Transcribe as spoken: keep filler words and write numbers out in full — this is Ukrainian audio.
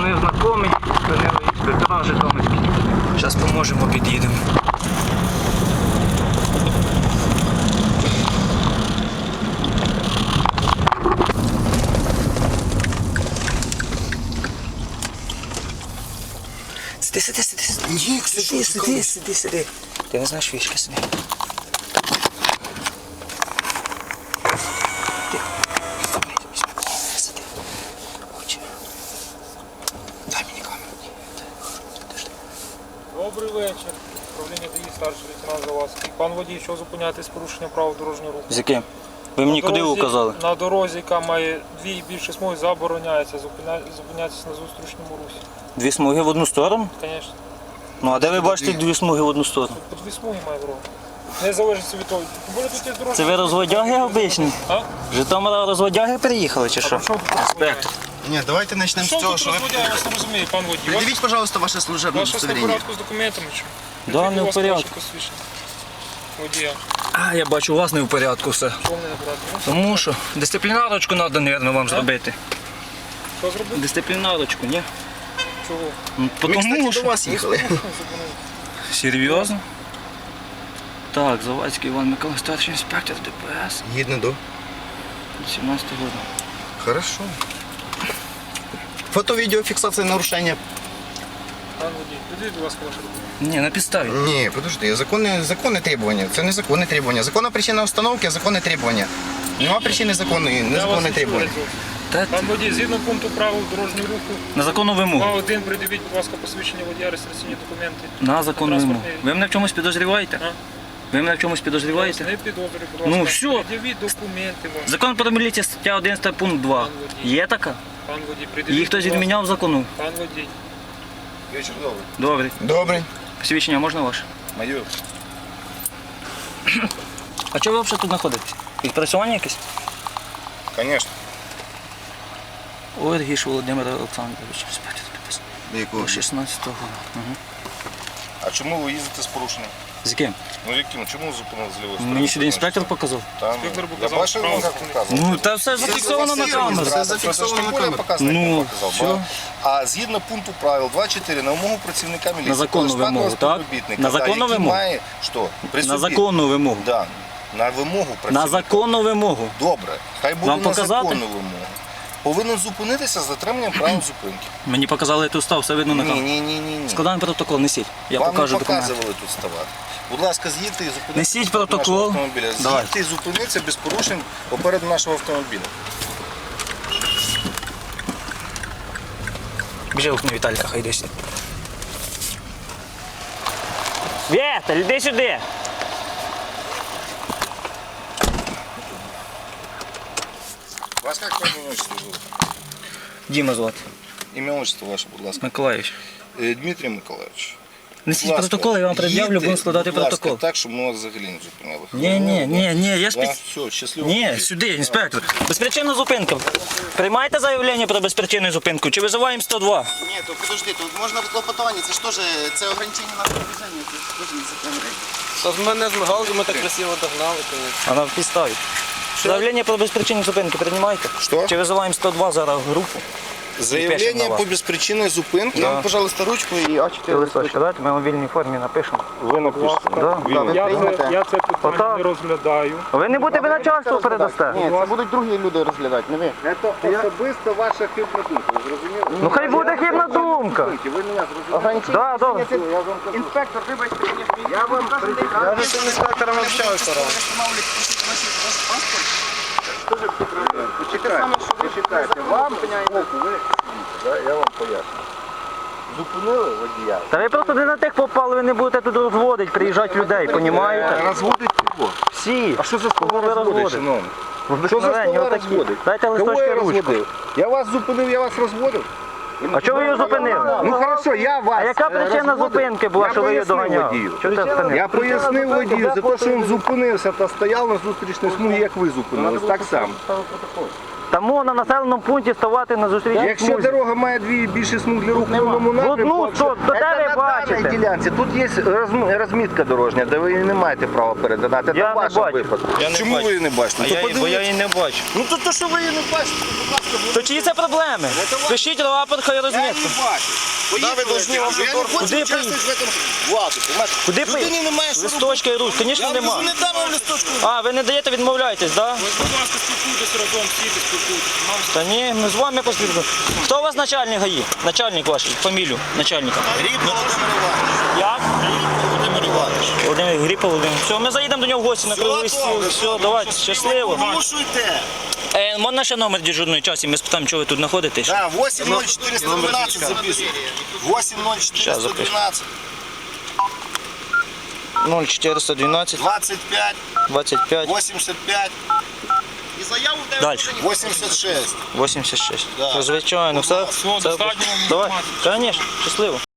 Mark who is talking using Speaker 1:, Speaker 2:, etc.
Speaker 1: Позвонив знайомий, спинили інспектора житомирські. Зараз поможемо, під'їдемо. Сиди, сиди, сиди, сиди.
Speaker 2: Ні,
Speaker 1: Сиди, сиди, сиди, сиди. Ти не знаєш фішки, сиди. Сиди. Хоче. Дай мені камеру.
Speaker 3: Добрий вечір. Управління ДАІ, старший лейтенант Завадський. Пан водій, що зупиняти з порушенням правил дорожнього руху?
Speaker 1: З яким? Ви мені
Speaker 3: На
Speaker 1: куди
Speaker 3: дорозі-
Speaker 1: указали?
Speaker 3: На дорозі, яка має дві і більше смуг, забороняється зупиня... зупинятися на зустрічному русі.
Speaker 1: Дві смуги в одну сторону?
Speaker 3: Звісно.
Speaker 1: Ну а де ви бачите дві смуги в одну сторону?
Speaker 3: По дві смуги має дорога. Не залежить від того. Бо тут є дорожні.
Speaker 1: Це ви розводяги обичні?
Speaker 3: А?
Speaker 1: З Житомира розводяги приїхали чи що?
Speaker 3: А що тут
Speaker 1: Інспектор.
Speaker 2: Ні, давайте почнемо
Speaker 3: Що
Speaker 2: з цього,
Speaker 3: тут
Speaker 2: що ви...
Speaker 3: розводяє, я вас не розумію, пан водій. Ваш-
Speaker 2: Придивіть, пожалуйста, ваше служебне
Speaker 3: Ваше все в
Speaker 2: удостоверение.
Speaker 3: порядку з документами чи?
Speaker 1: Да, не в
Speaker 3: Будь ласка,
Speaker 1: порядку.
Speaker 3: ваше посвідчення. Водія.
Speaker 1: А, я бачу, у вас не в порядку все.
Speaker 3: Чого не набрати? Ну,
Speaker 1: Тому що дисциплінарочку треба, мабуть, вам зробити.
Speaker 3: Що зробити?
Speaker 1: Дисциплінарочку, ні?
Speaker 3: Чого?
Speaker 1: Ну,
Speaker 2: Ми, кстати,
Speaker 1: Тому
Speaker 2: до
Speaker 1: що...
Speaker 2: вас їхали.
Speaker 1: Серйозно? Так, Завадський Іван Микола, старший інспектор ДПС.
Speaker 2: Гідно до.
Speaker 1: сімнадцятого року.
Speaker 2: Хорошо. Фото-відеофіксація нарушення.
Speaker 3: Пан водій, підійдіть, будь ласка, ваше документи.
Speaker 1: Ні, на підставі.
Speaker 2: Ні, подожди, законне, законне требування. Це не законне требування. Законна причина установки, а законне требування. Нема причини законної,
Speaker 3: Я вас
Speaker 2: незаконне
Speaker 3: не
Speaker 2: требування.
Speaker 3: чую, зовсім.
Speaker 1: Та,
Speaker 3: Пан водій, згідно пункту правил дорожнього руху,
Speaker 1: на законну вимогу.
Speaker 3: два один придивіть, будь ласка, посвідчення водія, реєстраційні документи.
Speaker 1: На законну вимогу.
Speaker 3: Транспортний-
Speaker 1: Ви мене в чомусь підозріваєте?
Speaker 3: А?
Speaker 1: Ви мене в чомусь
Speaker 3: Вас
Speaker 1: підозріваєте?
Speaker 3: не підозрюю, будь ласка.
Speaker 1: Ну, все.
Speaker 3: Пред'явіть документи вам.
Speaker 1: Закон про міліцію, стаття одинадцята, пункт два.
Speaker 3: Пан водій.
Speaker 1: Є така?
Speaker 3: Пан водій, придивіть.
Speaker 1: Її хтось
Speaker 3: будь ласка.
Speaker 1: відміняв закону?
Speaker 3: Пан водій.
Speaker 2: Вечір добрий.
Speaker 1: Добре.
Speaker 2: Добрий.
Speaker 1: Посвідчення можна ваше?
Speaker 2: Майор.
Speaker 1: А чого ви взагалі тут знаходитесь? Відпрацювання якесь?
Speaker 2: Звісно.
Speaker 1: Ой, Гіш Володимир Олександрович, інспектор ДПС.
Speaker 2: Якого?
Speaker 1: шістнадцятого року. Угу.
Speaker 4: А чому ви їздите з порушенням?
Speaker 1: З яким?
Speaker 4: Ну яким? Чому зупинили з лівої сторони?
Speaker 1: Мені сюди інспектор показав.
Speaker 4: Там,
Speaker 3: Інспектор
Speaker 4: я
Speaker 3: показав
Speaker 4: бачив,
Speaker 3: право
Speaker 4: як
Speaker 3: зупинити.
Speaker 4: показував.
Speaker 1: Ну, та все зафіксовано на камеру.
Speaker 2: Це зафіксовано на камеру.
Speaker 1: Ну, все.
Speaker 4: А згідно пункту правил два чотири на вимогу працівника міліції,
Speaker 1: На законну
Speaker 4: штатного
Speaker 1: вимогу, так?
Speaker 4: співробітника,
Speaker 1: На
Speaker 4: да,
Speaker 1: законну
Speaker 4: який
Speaker 1: вимогу?
Speaker 4: має, що? При
Speaker 1: На
Speaker 4: собі.
Speaker 1: законну вимогу.
Speaker 4: Да, на вимогу
Speaker 1: На
Speaker 4: працівника.
Speaker 1: законну вимогу.
Speaker 4: Добре, хай буде
Speaker 1: Вам
Speaker 4: на
Speaker 1: показати?
Speaker 4: законну вимогу. Повинен зупинитися з затриманням правил зупинки.
Speaker 1: Мені показали тут став, все видно на
Speaker 4: Ні,
Speaker 1: камеру.
Speaker 4: ні, ні, ні, ні.
Speaker 1: Складаємо протокол, несіть. Я
Speaker 4: Вам
Speaker 1: покажу
Speaker 4: не
Speaker 1: документи.
Speaker 4: показували тут ставати. Будь ласка, з'їдьте і зупиніться.
Speaker 1: Несіть
Speaker 4: попереду
Speaker 1: протокол.
Speaker 4: нашого автомобіля.
Speaker 1: Давай.
Speaker 4: З'їдьте і зупиніться без порушень попереду нашого автомобіля.
Speaker 1: Біжи окно Віталіка, хай йди сюди. Віталь, іди сюди.
Speaker 4: Вас як ім'я отчество звуть?
Speaker 1: Діма звати.
Speaker 4: Ім'я отчество ваше, будь ласка.
Speaker 1: Миколаївич.
Speaker 4: Е, Дмитрій Миколаївич.
Speaker 1: Несіть
Speaker 4: Будь ласка,
Speaker 1: протокол, я вам пред'явлю,
Speaker 4: їдьте,
Speaker 1: будемо складати
Speaker 4: будь ласка,
Speaker 1: протокол.
Speaker 4: так, щоб ми вас взагалі не зупиняли.
Speaker 1: Ні, ні, ні, ні, я ж
Speaker 4: Да?
Speaker 1: під...
Speaker 4: Все, щасливо.
Speaker 1: Ні, сюди, інспектор. Безпричинна зупинка. Приймаєте заявлення про безпричинну зупинку чи визиваємо сто два?
Speaker 2: Ні, то подожди, тут можна клопотування, це ж теж, це ограничення на передвиження, це ж теж незаконне.
Speaker 5: Та з мене з мигалки ми так красиво догнали, конечно.
Speaker 1: А на підставі. Заявлення про безпричинну зупинку приймаєте?
Speaker 4: Що?
Speaker 1: Чи визиваємо сто два зараз групу? Пишемо на
Speaker 4: Заявлення
Speaker 1: вас.
Speaker 4: по безпричинній зупинці.
Speaker 1: Да.
Speaker 4: Нам, пожалуйста, ручку і А чотири.
Speaker 1: Листочка, давайте ми у вільній формі напишемо.
Speaker 4: Ви напишете.
Speaker 1: Да.
Speaker 2: Ви
Speaker 3: Я
Speaker 2: приймете?
Speaker 3: це, я це питання
Speaker 1: Отак.
Speaker 3: не розглядаю.
Speaker 1: Ви не будете начальству передасте?
Speaker 2: Ні, це будуть другі люди розглядати, не ви.
Speaker 6: Це особисто ваша хибна думка, ви зрозуміли?
Speaker 1: Ну хай буде хибна думка.
Speaker 6: Ви мене зрозуміли?
Speaker 2: Ограничення.
Speaker 1: Да, добре.
Speaker 6: Я вам кажу.
Speaker 2: Інспектор, вибачте, мені
Speaker 6: Я вам
Speaker 5: Я вже з цим інспектором общаюся раз.
Speaker 6: почекайте, почекайте. Вам боку, ви
Speaker 4: Я вам поясню. Зупинили водія.
Speaker 1: Та ви просто не на тих попали, ви не будете тут розводити, приїжджати людей, понімаєте?
Speaker 4: Розводить кого?
Speaker 1: Всі.
Speaker 4: А що за
Speaker 1: Кого
Speaker 4: слова
Speaker 1: ви
Speaker 4: розводить,
Speaker 1: розводите?
Speaker 4: шановний?
Speaker 1: Ви
Speaker 4: Що за
Speaker 1: обикновенні,
Speaker 4: слова
Speaker 1: отакі.
Speaker 4: розводить?
Speaker 1: Дайте
Speaker 4: Кого
Speaker 1: листочки
Speaker 4: я
Speaker 1: ручку.
Speaker 4: розводив? Я вас зупинив, я вас розводив.
Speaker 1: А чого ви його зупинили?
Speaker 4: Ну хорошо, я вас
Speaker 1: А яка
Speaker 4: е,
Speaker 1: причина
Speaker 4: розводив.
Speaker 1: зупинки була,
Speaker 4: Я
Speaker 1: що ви її
Speaker 4: пояснив
Speaker 1: доганяли?
Speaker 4: водію.
Speaker 1: Чого ти зупинив?
Speaker 4: Я пояснив водію за те, що він зупинився та стояв на зустрічній смузі, як ви зупинились, так само.
Speaker 1: Тому на населеному пункті ставати на зустрічній
Speaker 6: Якщо
Speaker 1: смузі.
Speaker 6: дорога має дві більше смуг для руху в одному
Speaker 1: Ну,
Speaker 6: напрямку,
Speaker 1: ну,
Speaker 6: якщо-
Speaker 1: що, то де
Speaker 6: Це
Speaker 1: ви
Speaker 6: на
Speaker 1: бачите?
Speaker 6: даній ділянці. Тут є розм- розмітка дорожня, де ви її не маєте права перетинати.
Speaker 1: Я
Speaker 6: Це
Speaker 1: не
Speaker 6: в вашому
Speaker 1: бачу.
Speaker 6: випадку.
Speaker 1: Я не
Speaker 4: Чому
Speaker 1: бачу.
Speaker 4: ви її не бачите?
Speaker 1: А
Speaker 4: То
Speaker 1: я, її- бо я її не бачу.
Speaker 4: Ну то, то що ви її не бачите, то, будь ласка,
Speaker 1: То чиї це проблеми? Пишіть рапорт, хай
Speaker 4: я
Speaker 1: розмітку.
Speaker 4: не бачу. Да, ви должны вже
Speaker 1: Куди
Speaker 4: я не хочу
Speaker 1: поїхати?
Speaker 4: участвувати в цьому владу, понимаєш?
Speaker 1: Куди
Speaker 4: Людині
Speaker 1: поїхати?
Speaker 4: немає що робити.
Speaker 1: Листочка і руч, звісно,
Speaker 4: Я
Speaker 1: нема.
Speaker 4: вже не дам вам листочку.
Speaker 1: А, ви не даєте, відмовляєтесь, так? Да?
Speaker 3: Будь ласка, спілкуйтесь разом, всі спілкуйтесь. Нам
Speaker 1: Та ні, ми з вами поспілкуємо. Хто у вас начальник ГАІ? Начальник ваш, фамілію начальника.
Speaker 4: Гріб Володимир Іванович.
Speaker 1: Як?
Speaker 4: Володимир Іванович.
Speaker 1: Володимир Гріпа Володимир. Все, ми заїдемо до нього в гості на круглий стіл. Все, давайте, щасливо.
Speaker 4: Порушуйте.
Speaker 1: Е, можна ще номер дежурної часі, ми спитаємо, чого ви тут знаходитесь?
Speaker 4: Да, вісім нуль чотириста дванадцять записуйте. вісім нуль чотириста дванадцять.
Speaker 1: нуль чотириста дванадцять
Speaker 4: двадцять п'ять.
Speaker 1: двадцять п'ять
Speaker 4: вісімдесят п'ять.
Speaker 1: Далі.
Speaker 4: вісімдесят шість.
Speaker 1: вісімдесят шість.
Speaker 4: Да.
Speaker 1: Звичайно, все.
Speaker 3: Все,
Speaker 1: все-
Speaker 3: достатньо вам
Speaker 1: Давай,
Speaker 3: інформації.
Speaker 1: звісно, щасливо.